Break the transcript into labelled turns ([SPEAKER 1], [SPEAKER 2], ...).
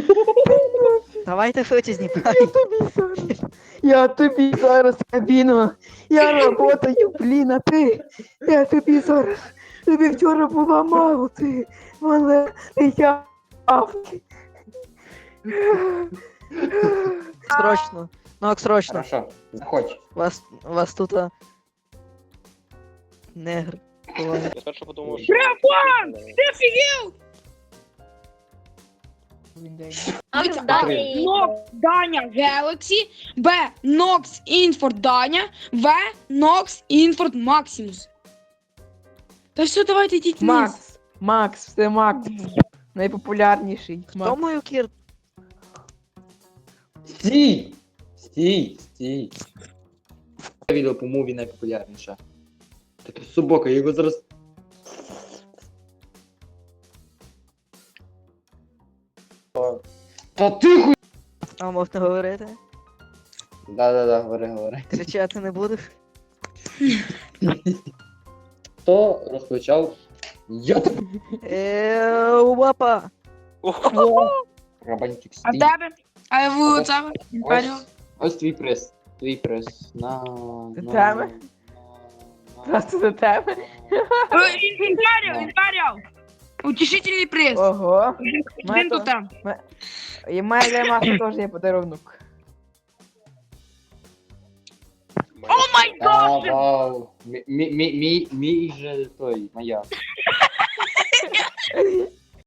[SPEAKER 1] Давайте швидше знімай.
[SPEAKER 2] Я тобі зараз кабіну. Я работаю, блін, а ти. Я тобі зараз. Тобі вчора була мало, ти. Мене я.
[SPEAKER 1] Срочно. Ну, срочно.
[SPEAKER 3] Хорошо, заходь.
[SPEAKER 1] Вас тут негр. ховає.
[SPEAKER 4] Я спершу подумав, що...
[SPEAKER 5] Дивіться,
[SPEAKER 3] Далі.
[SPEAKER 5] Nox Даня Galaxy, Б. Nox Inford Даня, В. Nox Inford Maximus. Та все, давайте йдіть вниз.
[SPEAKER 2] Макс. Макс, це Макс. Найпопулярніший.
[SPEAKER 1] Хто
[SPEAKER 2] Макс.
[SPEAKER 1] мою кір?
[SPEAKER 3] Стій! Стій! Відео по муві найпопулярніше. Таке собака, я його зараз... Та тихо!
[SPEAKER 1] А можна говорити?
[SPEAKER 3] Да, говори.
[SPEAKER 1] Кричати не будеш?
[SPEAKER 3] Хто розпочав? Я тебе...
[SPEAKER 1] Опа!
[SPEAKER 3] Рабанчик,
[SPEAKER 5] А в
[SPEAKER 3] стій.
[SPEAKER 5] тебе? А в тебе?
[SPEAKER 3] Ось твій приз. Твій приз. На...
[SPEAKER 2] Тебе? Просто до тебе.
[SPEAKER 5] Інфаріал! Утішительний приз.
[SPEAKER 2] Ого.
[SPEAKER 5] Він тут там.
[SPEAKER 2] І має для Макса теж є подарунок.
[SPEAKER 5] О май гад!
[SPEAKER 3] Вау. Мій же той, моя.